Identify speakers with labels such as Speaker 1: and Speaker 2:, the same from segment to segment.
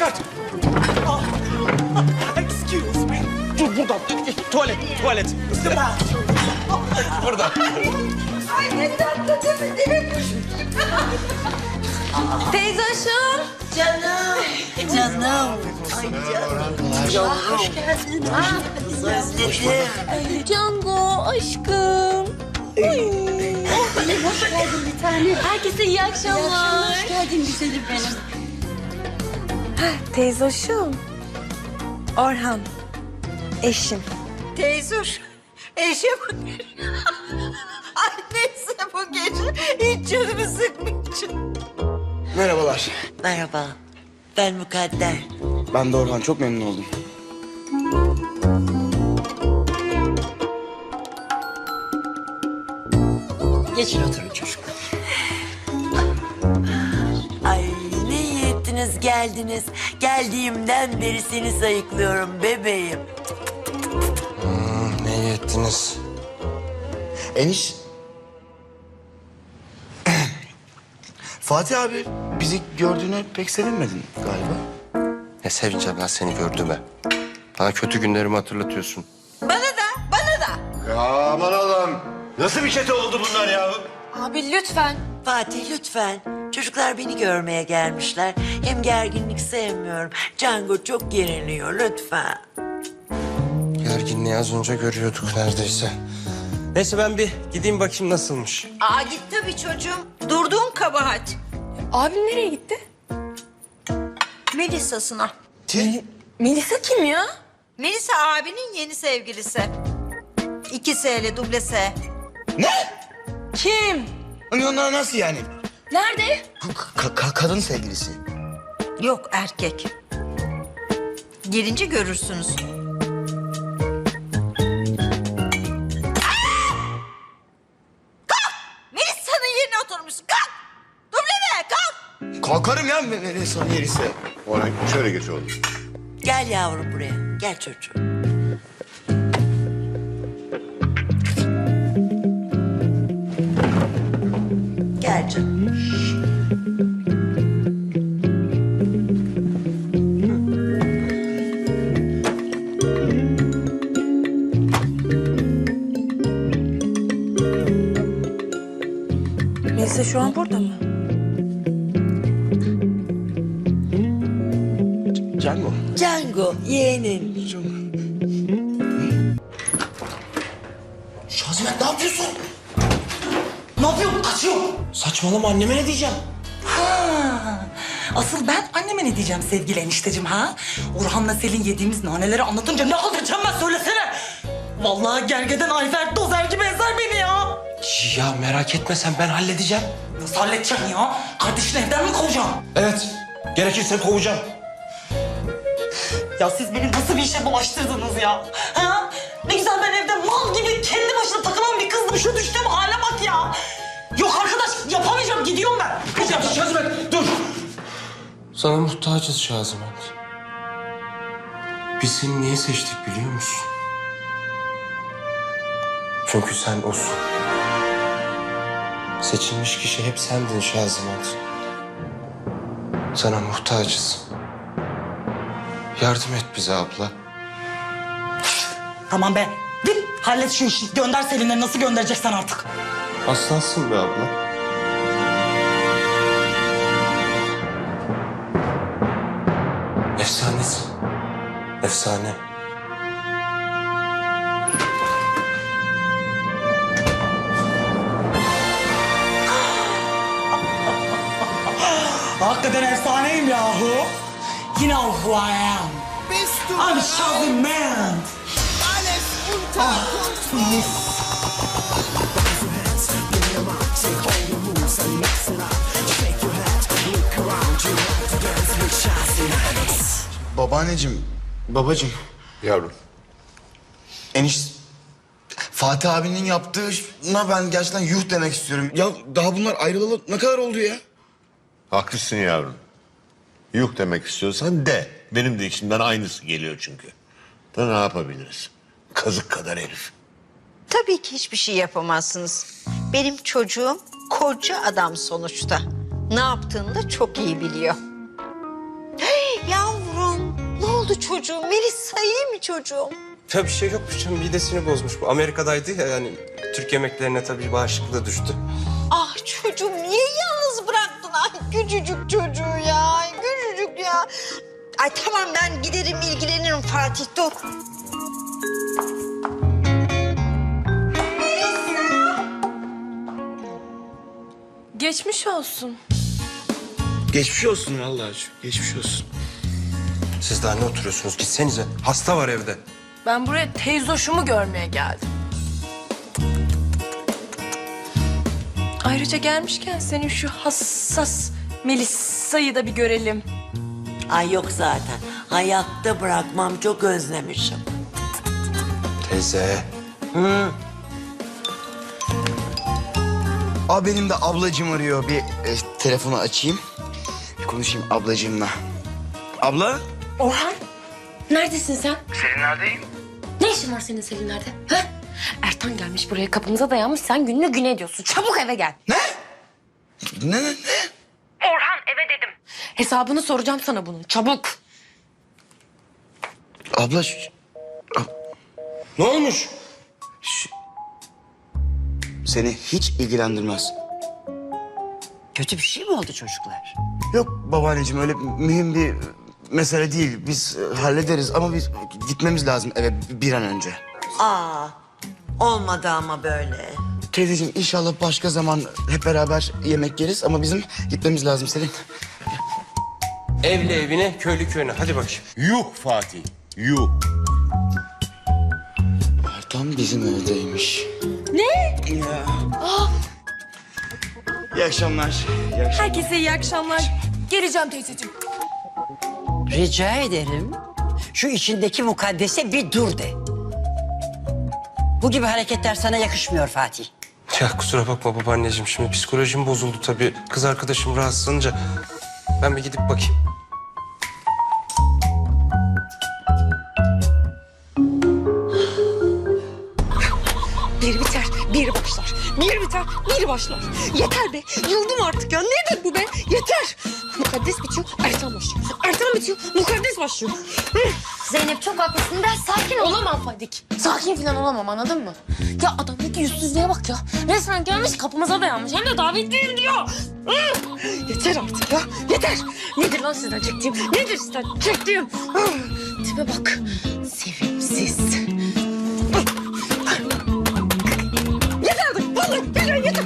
Speaker 1: İmdat! Excuse me. Dur buradan. Tuvalet. Burada.
Speaker 2: Ay ne tatlı değil mi?
Speaker 3: Teyze aşım.
Speaker 2: Canım. Ay canım. Hoş geldin. Özledim.
Speaker 3: Cango aşkım.
Speaker 2: Hoş geldin bir tane.
Speaker 3: Herkese iyi akşamlar.
Speaker 2: Hoş geldin güzelim benim.
Speaker 3: Teyze aşım. Orhan. Eşim.
Speaker 2: Teyzuş. Eşim. Ay neyse bu gece hiç canımı sıkmayacağım.
Speaker 1: Merhabalar.
Speaker 4: Merhaba, ben Mukadder.
Speaker 1: Ben de Orhan. Çok memnun oldum.
Speaker 4: Geçin oturun çocuklar. Ay ne iyi ettiniz geldiniz. Geldiğimden beri seni sayıklıyorum bebeğim.
Speaker 5: Ne iyi ettiniz.
Speaker 1: Eniş. Fatih abi bizi gördüğüne pek sevinmedin galiba.
Speaker 5: Ne sevineceğim lan seni gördüğüme. Bana kötü günlerimi hatırlatıyorsun.
Speaker 2: Bana da.
Speaker 6: Ya aman Allah'ım. Nasıl bir çete oldu bunlar ya?
Speaker 3: Abi lütfen.
Speaker 4: Fatih lütfen. Çocuklar beni görmeye gelmişler. Hem gerginlik sevmiyorum. Django çok geriliyor lütfen.
Speaker 5: Gerginliği az önce görüyorduk neredeyse. Neyse ben bir gideyim bakayım nasılmış.
Speaker 2: Aa git tabii çocuğum. Durduğun kabahat.
Speaker 3: Abim nereye gitti?
Speaker 2: Melisa'sına.
Speaker 3: Melisa kim ya?
Speaker 2: Melisa abinin yeni sevgilisi. 2 S'li duble S.
Speaker 3: Kim?
Speaker 1: Onlar nasıl yani?
Speaker 3: Nerede?
Speaker 1: Kadın sevgilisi.
Speaker 2: Yok erkek. Gelince görürsünüz. Kalk! Melisa'nın yerine oturmuşsun. Kalk! Dubleme kalk!
Speaker 1: Kalkarım ya Melisa'nın yerisi.
Speaker 6: Orhan şöyle geç oğlum.
Speaker 4: Gel yavrum buraya. Gel çocuğum. Gel canım.
Speaker 3: Melisa şu an burada mı?
Speaker 1: Django.
Speaker 4: Django yeğenim.
Speaker 1: Şazimet ne yapıyorsun? Ne yapıyorsun? Kaçıyorum. Saçmalama anneme ne diyeceğim?
Speaker 7: Asıl ben anneme ne diyeceğim sevgili enişteciğim ha? Orhan'la Selin yediğimiz naneleri anlatınca ne alacağım ben söylesene. Vallahi gergeden Ayfer dozer gibi ezer beni ya.
Speaker 5: Ya merak etme sen ben halledeceğim.
Speaker 7: Nasıl halledeceğim ya? Kardeşini evden mi kovacağım?
Speaker 5: Evet gerekirse kovacağım.
Speaker 7: Ya siz beni nasıl bir işe bulaştırdınız ya? Ha? Ne güzel ben evde mal gibi kendi başına takılan bir kızdım. Şu düştüğüm hale bak ya. Yok arkadaş yapamayacağım gidiyorum ben. Gideceğim.
Speaker 5: Şazimet dur. Sana muhtacız Şazimet. Biz seni niye seçtik biliyor musun? Çünkü sen osun. Seçilmiş kişi hep sendin Şazimet. Sana muhtacız. Yardım et bize abla.
Speaker 7: Tamam be. Git hallet şu işi. Gönder Selin'leri nasıl göndereceksen artık.
Speaker 5: Aslansın be abla. Efsanesin. Efsane.
Speaker 7: Hakikaten efsaneyim yahu. You know who I am. I'm Şazimet.
Speaker 1: Babaanneciğim, babacığım.
Speaker 6: Yavrum.
Speaker 1: Fatih abinin yaptığına ben gerçekten yuh demek istiyorum. Ya daha bunlar ayrılalı ne kadar oldu ya?
Speaker 6: Haklısın yavrum. Yuh demek istiyorsan de. Benim de içimden aynısı geliyor çünkü. Da ne yapabiliriz? Kazık kadar herif.
Speaker 2: Tabii ki hiçbir şey yapamazsınız. Benim çocuğum koca adam sonuçta. Ne yaptığını da çok iyi biliyor. Hey, yavrum. oldu çocuğum? Melisa iyi mi çocuğum?
Speaker 5: Ya bir şey yokmuş canım. Midesini bozmuş. Bu Amerika'daydı ya yani. Türk yemeklerine tabii bağışıklığı düştü.
Speaker 2: Ah çocuğum niye yalnız bıraktın? Ay küçücük çocuğu ya. Ay küçücük ya. Ay tamam ben giderim ilgilenirim Fatih dur.
Speaker 3: Geçmiş olsun.
Speaker 1: Geçmiş olsun vallahi. Geçmiş olsun.
Speaker 5: Siz daha ne oturuyorsunuz? Gitsenize. Hasta var evde.
Speaker 3: Ben buraya teyzoşumu görmeye geldim. Ayrıca gelmişken senin şu hassas Melisa'yı da bir görelim.
Speaker 4: Ay yok zaten. Hayatta bırakmam, çok özlemişim.
Speaker 5: Teyze.
Speaker 1: Abi benim de ablacığım arıyor. Bir telefonu açayım. Bir konuşayım ablacığımla. Abla?
Speaker 8: Orhan, neredesin sen?
Speaker 1: Selinler'deyim.
Speaker 8: Ne işin var senin Selinler'de? Ha? Ertan gelmiş buraya kapımıza dayanmış, sen gününü güne ediyorsun. Çabuk eve gel.
Speaker 1: Ne?
Speaker 8: Orhan eve dedim. Hesabını soracağım sana bunun, çabuk.
Speaker 1: Abla
Speaker 5: Ne olmuş?
Speaker 1: seni hiç ilgilendirmez.
Speaker 4: Kötü bir şey mi oldu çocuklar?
Speaker 1: Yok babaanneciğim öyle mühim bir mesele değil. Biz hallederiz ama biz gitmemiz lazım eve bir an önce.
Speaker 4: Aa, olmadı ama böyle.
Speaker 1: Teyzeciğim inşallah başka zaman hep beraber yemek yeriz ama bizim gitmemiz lazım Selin.
Speaker 5: Evli evine, köylü köyüne. Hadi bakayım.
Speaker 6: Yuh Fatih, yuh.
Speaker 1: Ertan bizim evdeymiş.
Speaker 3: Ne?
Speaker 1: Ya. İyi akşamlar. İyi akşamlar.
Speaker 3: Herkese iyi akşamlar. Geleceğim teyzeciğim.
Speaker 9: Rica ederim. Şu içindeki mukaddese bir dur de. Bu gibi hareketler sana yakışmıyor Fatih.
Speaker 5: Ya kusura bakma babaanneciğim. Şimdi psikolojim bozuldu tabii. Kız arkadaşım rahatsızlanınca ben bir gidip bakayım.
Speaker 3: Bir biter, bir başlar. Bir biter, bir başlar. Yeter be. Yıldım artık ya. Nedir bu be? Yeter. Mukaddes bitiyor, Ertan başlıyor. Ertan bitiyor, mukaddes başlıyor.
Speaker 8: Zeynep çok haklısın, ben sakin
Speaker 3: Olamam Fadik.
Speaker 8: Sakin falan olamam, anladın mı? Ya adamdaki yüzsüzlüğe bak ya. Resmen gelmiş kapımıza dayanmış, hem de davetliyim diyor.
Speaker 3: Yeter artık ya. Yeter. Nedir lan sizden çektiğim? Nedir sizden çektiğim? Tipe bak. Sevimsiz. Yeter artık. Vallahi billahi yeter.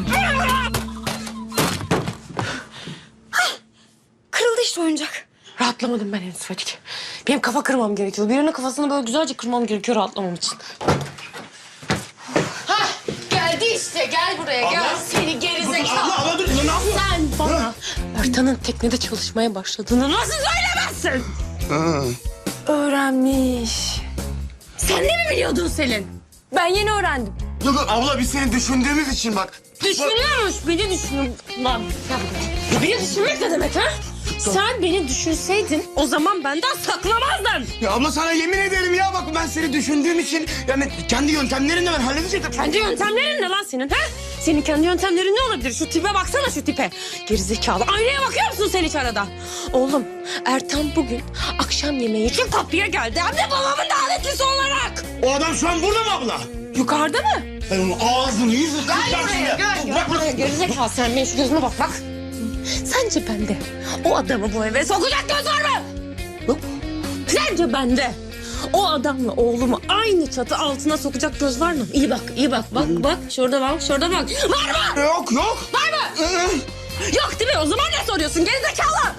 Speaker 3: Kırıldı işte oyuncak.
Speaker 8: Rahatlamadım ben henüz Fadik. Benim kafa kırmam gerekiyor. Birinin kafasını böyle güzelce kırmam gerekiyor rahatlamam için. Hah, geldi işte. Gel buraya, gel. Seni gerizekalı.
Speaker 1: Abla dur. Ne yapıyorsun?
Speaker 8: Sen bana Ertan'ın teknede çalışmaya başladığını nasıl söylemezsin? Öğrenmiş. Sen de mi biliyordun Selin? Ben yeni öğrendim.
Speaker 1: Yok abla biz seni düşündüğümüz için bak.
Speaker 8: Düşünüyormuş, beni düşünüyor. Lan beni düşünmek ne demek ha? Sen beni düşünseydin o zaman benden saklamazdın.
Speaker 1: Ya abla sana yemin ederim ya bak ben seni düşündüğüm için yani kendi yöntemlerimle ben halledecektim.
Speaker 8: Kendi yöntemlerin ne lan senin ha? Senin kendi yöntemlerin ne olabilir? Şu tipe baksana şu tipe. Gerizekalı. Aynaya bakıyor musun sen hiç arada? Oğlum Ertan bugün akşam yemeği için kapıya geldi. Hem de babamın davetlisi olarak.
Speaker 1: O adam şu an burada mı abla?
Speaker 8: Yukarıda mı?
Speaker 1: Ben onun ağzını yüzünü kıracağım şimdi. Bırak bırak.
Speaker 8: Gerizekalı sen benim şu gözüme bak bak. Sence bende o adamı bu eve sokacak göz var mı?
Speaker 1: Yok.
Speaker 8: Sence bende o adamla oğlumu aynı çatı altına sokacak göz var mı? İyi bak, iyi bak. Bak, bak. Şurada bak, şurada bak. Var mı?
Speaker 1: Yok yok.
Speaker 8: Var mı? Yok değil mi? O zaman ne soruyorsun? Gerizekalı.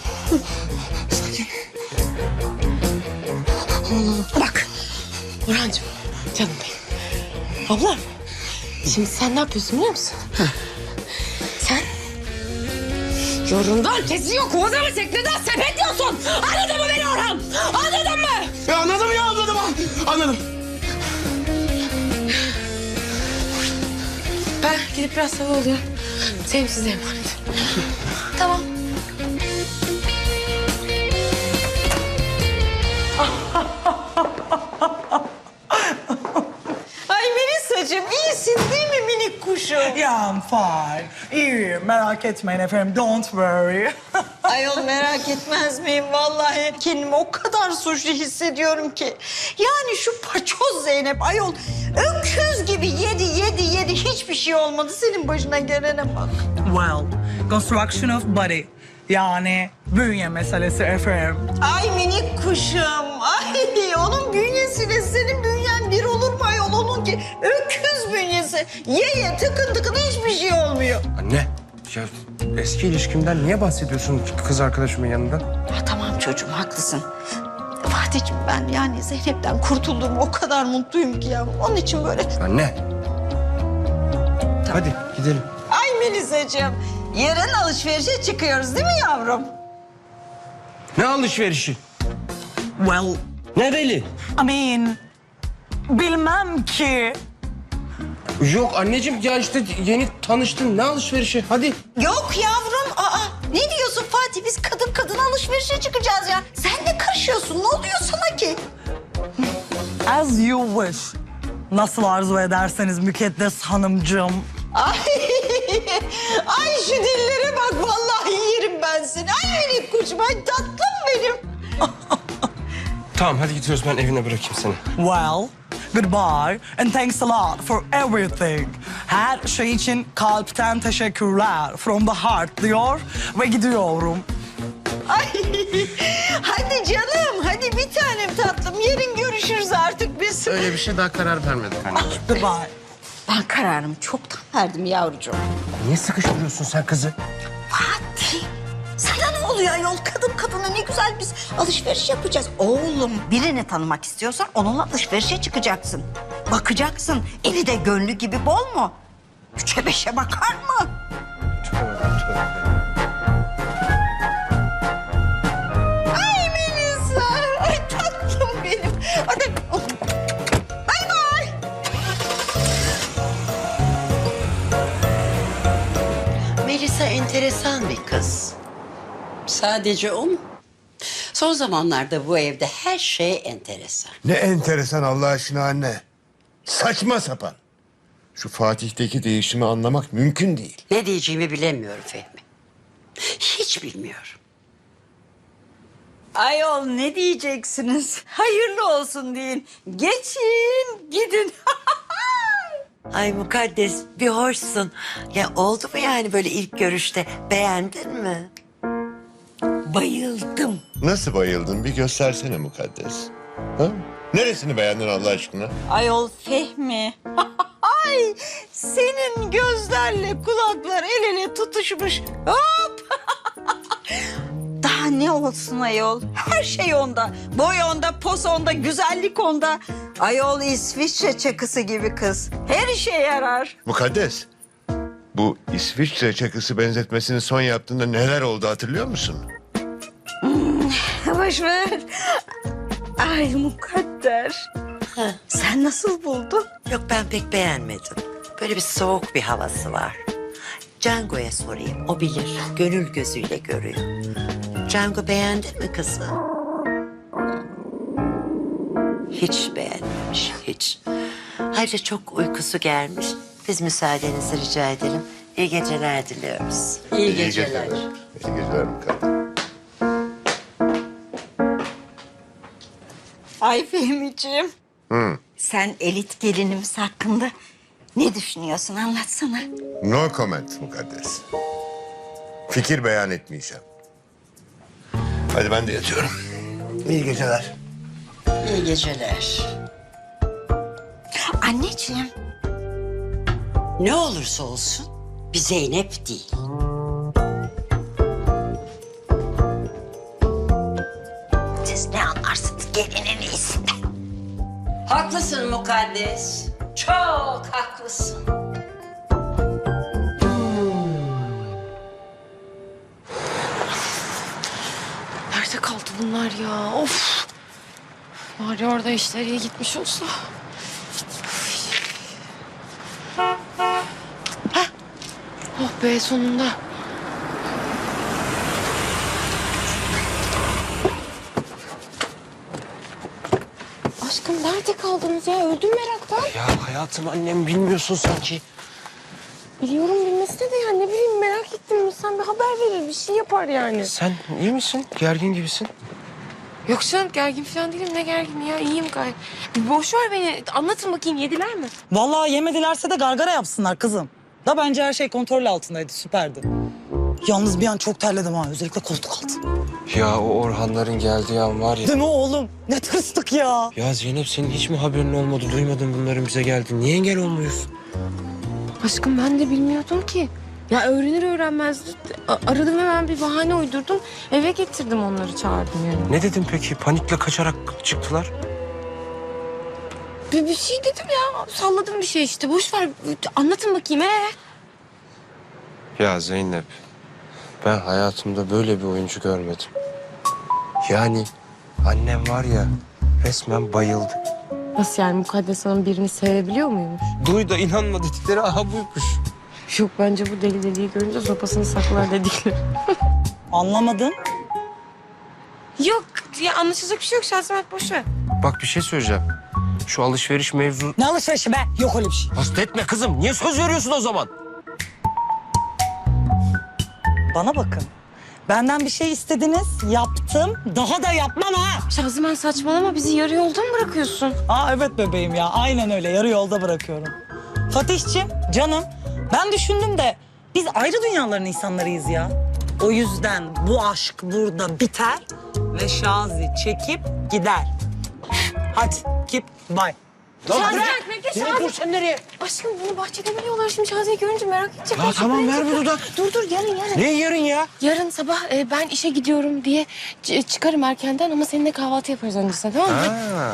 Speaker 8: Bak. Orhancığım, canım benim. Ablam, şimdi sen ne yapıyorsun biliyor musun? Sen yorundan kesiyor, kovada mı tekneden sepetliyorsun? Anladın mı beni Orhan? Anladın mı?
Speaker 1: Ya anladım ya anladım. Anladım.
Speaker 8: Ben gidip biraz hava alıyorum. Sevim size emanet. Tamam.
Speaker 2: Ay Melisa'cığım iyisin değil mi minik kuşum?
Speaker 7: Yeah, I'm fine. İyiyim, merak etmeyin efendim. Don't worry.
Speaker 2: Ayol merak etmez miyim? Vallahi kendimi o kadar suçlu hissediyorum ki. Yani şu paçoz Zeynep ayol öküz gibi yedi hiçbir şey olmadı. Senin başına gelene bak.
Speaker 7: Well, construction of body. Yani bünye meselesi efendim.
Speaker 2: Ay minik kuşum. Ay onun bünyesiyle senin bünyen bir olur mu ayol? Onunki öküz bünyesi. Ye tıkın tıkın hiçbir şey olmuyor.
Speaker 5: Anne, ya eski ilişkimden niye bahsediyorsun kız arkadaşımın yanında?
Speaker 2: Ha, tamam çocuğum haklısın. Fatih'ciğim ben yani Zeynep'ten kurtulduğum o kadar mutluyum ki ya. Onun için böyle...
Speaker 5: Anne. Hadi gidelim.
Speaker 2: Ay Melisa'cığım yarın alışverişe çıkıyoruz değil mi yavrum?
Speaker 5: Ne alışverişi?
Speaker 7: Well,
Speaker 5: Nereli?
Speaker 7: I mean, bilmem ki.
Speaker 5: Yok anneciğim ya işte yeni tanıştın. Ne alışverişi? Hadi.
Speaker 2: Yok yavrum. Aa, ne diyorsun Fatih? Biz kadın kadına alışverişe çıkacağız ya. Sen ne karışıyorsun? Ne oluyor sana ki?
Speaker 7: As you wish. Nasıl arzu ederseniz Mükaddes Hanımcığım.
Speaker 2: Ay, ay şu dillere bak. Vallahi yerim ben seni. Ay minik kuşum. Ay tatlım benim.
Speaker 5: Tamam hadi gidiyoruz ben evine bırakayım seni.
Speaker 7: Well, goodbye and thanks a lot for everything. Her şey için kalpten teşekkürler. From the heart diyor ve gidiyorum.
Speaker 2: Ay, hadi canım. Hadi bir tanem tatlım. Yarın görüşürüz artık biz.
Speaker 5: Öyle bir şey daha karar vermedik anneciğim.
Speaker 7: Goodbye.
Speaker 2: Ben kararımı çoktan verdim yavrucuğum.
Speaker 5: Niye sıkıştırıyorsun sen kızı?
Speaker 2: Fatih, sana ne oluyor ayol? Kadın kadına ne güzel biz alışveriş yapacağız. Oğlum birini tanımak istiyorsan onunla alışverişe çıkacaksın. Bakacaksın. Eli de gönlü gibi bol mu? Üçe beşe bakar mı? Ay Melisa. Ay tatlım benim. Hadi. Bay bay.
Speaker 4: Melisa enteresan bir kız.
Speaker 9: Sadece o mu? Son zamanlarda bu evde her şey enteresan.
Speaker 6: Ne enteresan Allah aşkına anne. Saçma sapan. Şu Fatih'teki değişimi anlamak mümkün değil.
Speaker 9: Ne diyeceğimi bilemiyorum Fehmi. Hiç bilmiyorum.
Speaker 2: Ayol ne diyeceksiniz? Hayırlı olsun deyin. Geçin, gidin.
Speaker 4: Ay Mukaddes bir hoşsun. Ya oldu mu yani böyle ilk görüşte beğendin mi?
Speaker 2: Bayıldım.
Speaker 6: Nasıl bayıldın bir göstersene Mukaddes. Ha? Neresini beğendin Allah aşkına?
Speaker 2: Ayol Fehmi. Ay, senin gözlerle kulaklar el ele tutuşmuş. Hop. Daha ne olsun ayol? Her şey onda. Boy onda, pos onda, güzellik onda. Ayol İsviçre çakısı gibi kız. Her işe yarar.
Speaker 6: Mukaddes, bu İsviçre çakısı benzetmesini son yaptığında neler oldu hatırlıyor musun?
Speaker 2: Boş ver. Ay mukadder. Sen nasıl buldun?
Speaker 4: Yok ben pek beğenmedim. Böyle bir soğuk bir havası var. Django'ya sorayım. O bilir. Gönül gözüyle görüyor. Django beğendin mi kızı? Hiç beğenmemiş. Hiç. Ayrıca çok uykusu gelmiş. Biz müsaadenizi rica edelim. İyi geceler diliyoruz.
Speaker 9: İyi geceler.
Speaker 6: İyi geceler Mukaddes.
Speaker 2: Ay Fehmi'ciğim. Sen elit gelinimiz hakkında ne düşünüyorsun anlatsana.
Speaker 6: No comment Mukaddes. Fikir beyan etmeyeceğim. Hadi ben de yatıyorum. İyi geceler.
Speaker 9: İyi geceler.
Speaker 2: Anneciğim.
Speaker 9: Ne olursa olsun bir Zeynep değil.
Speaker 2: Siz ne anlarsınız gelinin iyisinden.
Speaker 9: Haklısın Mukaddes. Çok haklısın.
Speaker 8: Nerede kaldı bunlar ya? Of. Bari orada işler iyi gitmiş olsa. Hah. Oh be sonunda. Aşkım nerede kaldınız ya? Öldüm meraktan.
Speaker 5: Ya hayatım annem bilmiyorsun sanki.
Speaker 8: Biliyorum bilmesine de ya ne bileyim merak ettim. Sen bir haber verir bir şey yapar yani.
Speaker 5: Sen iyi misin? Gergin gibisin.
Speaker 8: Yok canım gergin falan değilim ne gergin ya iyiyim gayet. Bir boş ver beni anlatın bakayım yediler mi?
Speaker 10: Vallahi yemedilerse de gargara yapsınlar kızım. Da bence her şey kontrol altındaydı, süperdi. Yalnız bir an çok terledim ha, özellikle koltuk altı.
Speaker 5: Ya o Orhanların geldiği an var ya.
Speaker 10: Değil mi oğlum? Ne tırstık ya.
Speaker 5: Ya Zeynep senin hiç mi haberin olmadı? Duymadın bunların bize geldi. Niye engel olmuyorsun?
Speaker 8: Aşkım ben de bilmiyordum ki. Ya öğrenir öğrenmez aradım hemen bir bahane uydurdum. Eve getirdim onları çağırdım yani.
Speaker 5: Ne dedin peki? Panikle kaçarak çıktılar.
Speaker 8: Bir şey dedim ya salladım bir şey işte boş ver anlatın bakayım
Speaker 5: Ya Zeynep, ben hayatımda böyle bir oyuncu görmedim. Yani annem var ya resmen bayıldı.
Speaker 8: Nasıl yani Mukaddes Hanım birini sevebiliyor muymuş?
Speaker 5: Duy da inanma dedikleri aha buymuş.
Speaker 8: Yok bence bu deli deliği görünce sopasını saklar dedikleri.
Speaker 10: Anlamadın?
Speaker 8: Yok ya anlaşılacak bir şey yok Şahsemet boş ver.
Speaker 5: Bak bir şey söyleyeceğim. Şu alışveriş mevzu...
Speaker 10: Ne alışverişi be? Yok öyle bir şey.
Speaker 5: Hasta etme kızım. Niye söz veriyorsun o zaman?
Speaker 10: Bana bakın. Benden bir şey istediniz, yaptım. Daha da yapmam ha.
Speaker 8: Şahsemen saçmalama bizi yarı yolda mı bırakıyorsun?
Speaker 10: Aa evet bebeğim ya, aynen öyle. Yarı yolda bırakıyorum. Fatih'ciğim, canım, ben düşündüm de biz ayrı dünyaların insanlarıyız ya. O yüzden bu aşk burada biter ve Şazi çekip gider. Hadi, keep bye.
Speaker 8: Şahsemen bekle Şazi.
Speaker 5: Dur sen nereye?
Speaker 8: Aşkım bunu bahçede biliyorlar şimdi Şazi'yi görünce merak edecek.
Speaker 5: Ya tamam ver bu dudak.
Speaker 8: Dur yarın.
Speaker 5: Ne yarın ya?
Speaker 8: Yarın sabah ben işe gidiyorum diye çıkarım erkenden ama seninle kahvaltı yaparız öncesinde tamam mı?
Speaker 5: Ha.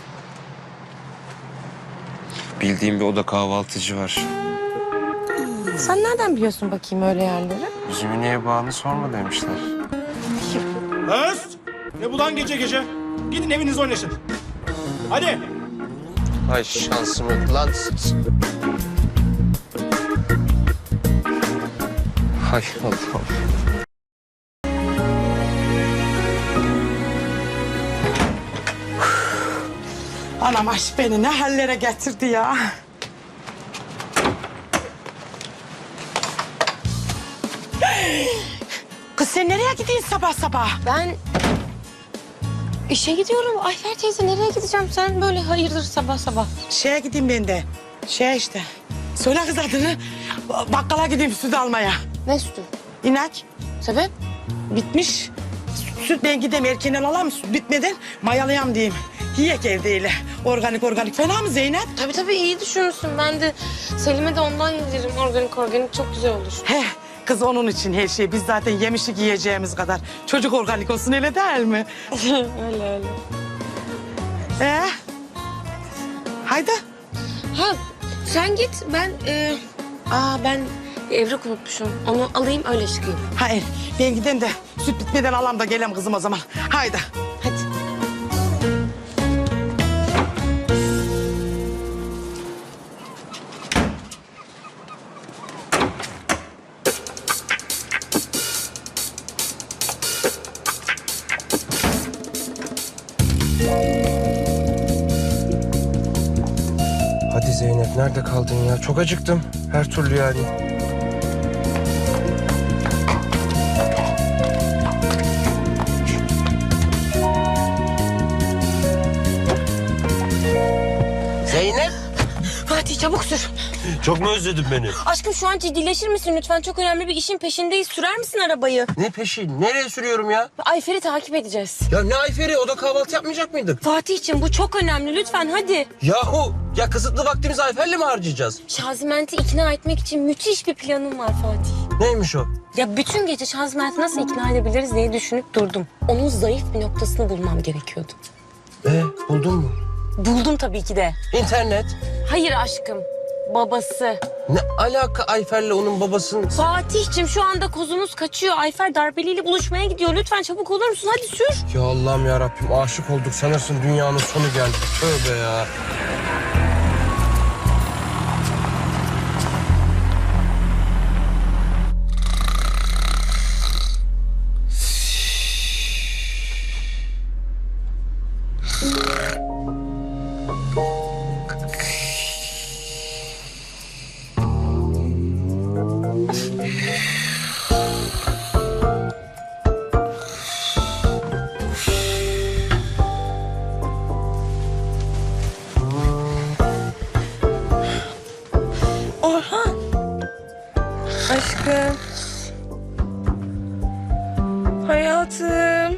Speaker 5: Bildiğim bir oda kahvaltıcı var.
Speaker 8: Sen nereden biliyorsun bakayım öyle yerleri?
Speaker 5: Üzümü niye bağını sorma demişler.
Speaker 11: Öst! Ne bu lan gece gece? Gidin evinizde oynayın. Hadi.
Speaker 5: Ay şansımı lan. Hay Allah'ım.
Speaker 10: Anam aşk beni ne hallere getirdi ya. Kız sen nereye gidiyorsun sabah sabah?
Speaker 8: Ben işe gidiyorum. Ayfer teyze nereye gideceğim? Sen böyle hayırdır sabah sabah.
Speaker 10: Şeye gideyim ben de. İşte. Söyle kız adını. Bakkala gideyim süt almaya.
Speaker 8: Ne sütü?
Speaker 10: İnek
Speaker 8: Sebep?
Speaker 10: bitmiş. Süt ben gideyim erkenden alayım süt bitmeden mayalayam diyeyim. Yiyek evdeyle. Organik. Fena mı Zeynep?
Speaker 8: Tabii iyi düşünürsün. Ben de Selim'e de ondan yedirim. Organik çok güzel olur.
Speaker 10: He kız onun için her şey. Biz zaten yemişlik yiyeceğimiz kadar. Çocuk organik olsun öyle değil mi?
Speaker 8: öyle.
Speaker 10: Haydi.
Speaker 8: Ha sen git ben ben evrak unutmuşum. Onu alayım öyle çıkayım.
Speaker 10: Hayır ben gideyim de süt bitmeden alam da gelem kızım o zaman. Haydi.
Speaker 8: Hadi.
Speaker 5: Hadi Zeynep nerede kaldın ya? Çok acıktım. Her türlü yani.
Speaker 4: Zeynep.
Speaker 8: Fatih çabuk sür.
Speaker 5: Çok mu özledin beni?
Speaker 8: Aşkım şu an ciddileşir misin lütfen? Çok önemli bir işin peşindeyiz. Sürer misin arabayı?
Speaker 5: Ne peşin? Nereye sürüyorum ya?
Speaker 8: Ayfer'i takip edeceğiz.
Speaker 5: Ya ne Ayfer'i? O da kahvaltı yapmayacak mıydık?
Speaker 8: Fatih'ciğim bu çok önemli. Lütfen hadi.
Speaker 5: Yahu ya kısıtlı vaktimizi Ayfer'le mi harcayacağız?
Speaker 8: Şaziment'i ikna etmek için müthiş bir planım var Fatih.
Speaker 5: Neymiş o?
Speaker 8: Ya bütün gece Şaziment'i nasıl ikna edebiliriz diye düşünüp durdum. Onun zayıf bir noktasını bulmam gerekiyordu.
Speaker 5: Buldun mu?
Speaker 8: Buldum tabii ki de.
Speaker 5: İnternet.
Speaker 8: Hayır aşkım. Babası.
Speaker 5: Ne alaka Ayfer'le onun babasının?
Speaker 8: Fatih'cim şu anda kozumuz kaçıyor. Ayfer darbeliyle buluşmaya gidiyor. Lütfen çabuk olur musun? Hadi sür.
Speaker 5: Ya Allah'ım ya Rabbim aşık olduk sanırsın dünyanın sonu geldi. Tövbe ya.
Speaker 3: Aşkım. Hayatım.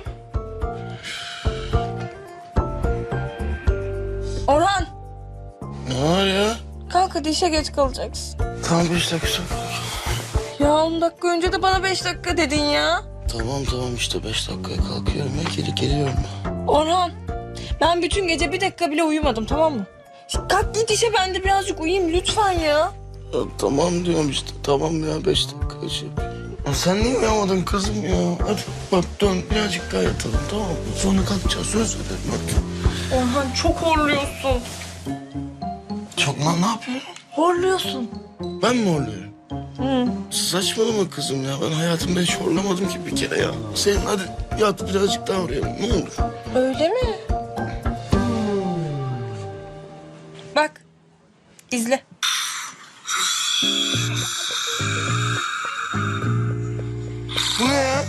Speaker 3: Orhan.
Speaker 1: Ne var ya?
Speaker 3: Kalk hadi işe geç kalacaksın.
Speaker 1: Tamam 5 dakika sonra.
Speaker 3: Ya 10 dakika önce de bana 5 dakika dedin ya.
Speaker 1: Tamam işte 5 dakikaya kalkıyorum ya geliyorum.
Speaker 3: Orhan. Ben bütün gece 1 dakika bile uyumadım, tamam mı? Şimdi kalk git işe, ben de birazcık uyuyayım lütfen ya.
Speaker 1: Ya tamam diyorum işte tamam ya 5 dakika şey. Ya sen niye uyamadın kızım ya? Hadi bak dön birazcık daha yatalım tamam mı? Sonra kalkacağız söz veririm hadi.
Speaker 3: Orhan çok horluyorsun.
Speaker 1: Çok lan ne yapıyorum?
Speaker 3: Horluyorsun.
Speaker 1: Ben mi horluyorum? Saçmalama kızım ya. Ben hayatımda hiç horlamadım ki bir kere ya. Senin hadi yat birazcık daha oraya ne olur.
Speaker 3: Öyle mi? Bak. İzle.
Speaker 1: Bu ne ya?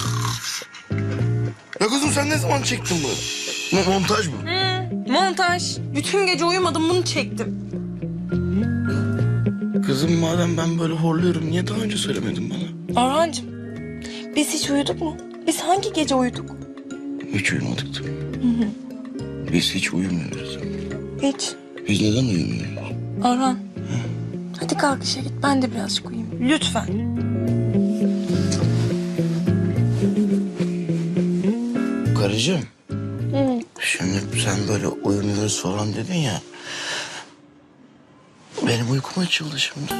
Speaker 1: Ya kızım sen ne zaman çektin bunu? Montaj mı?
Speaker 3: Montaj. Bütün gece uyumadım, bunu çektim.
Speaker 1: Kızım madem ben böyle horluyorum niye daha önce söylemedin bana?
Speaker 3: Orhancığım, biz hiç uyuduk mu? Biz hangi gece uyuduk?
Speaker 1: Hiç uyumadık da. Biz hiç uyumuyoruz.
Speaker 3: Hiç.
Speaker 1: Biz neden uyumuyoruz?
Speaker 3: Orhan. Hadi kalk işe git, ben de birazcık uyuyayım. Lütfen.
Speaker 1: Karıcığım. Şimdi sen böyle uyumuyoruz falan dedin ya. Benim uykum açıldı şimdi.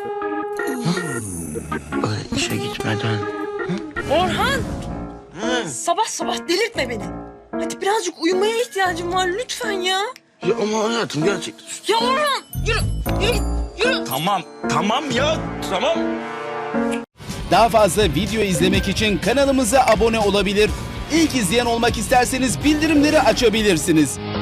Speaker 1: Öyle işe gitmeden.
Speaker 3: Orhan! Sabah sabah delirtme beni. Hadi birazcık uyumaya ihtiyacım var lütfen ya.
Speaker 1: Ya ama hayatım gerçekten.
Speaker 3: Ya Orhan! Yürü, yürü git, yürü.
Speaker 11: Tamam ya tamam.
Speaker 12: Daha fazla video izlemek için kanalımıza abone olabilir. İlk izleyen olmak isterseniz bildirimleri açabilirsiniz.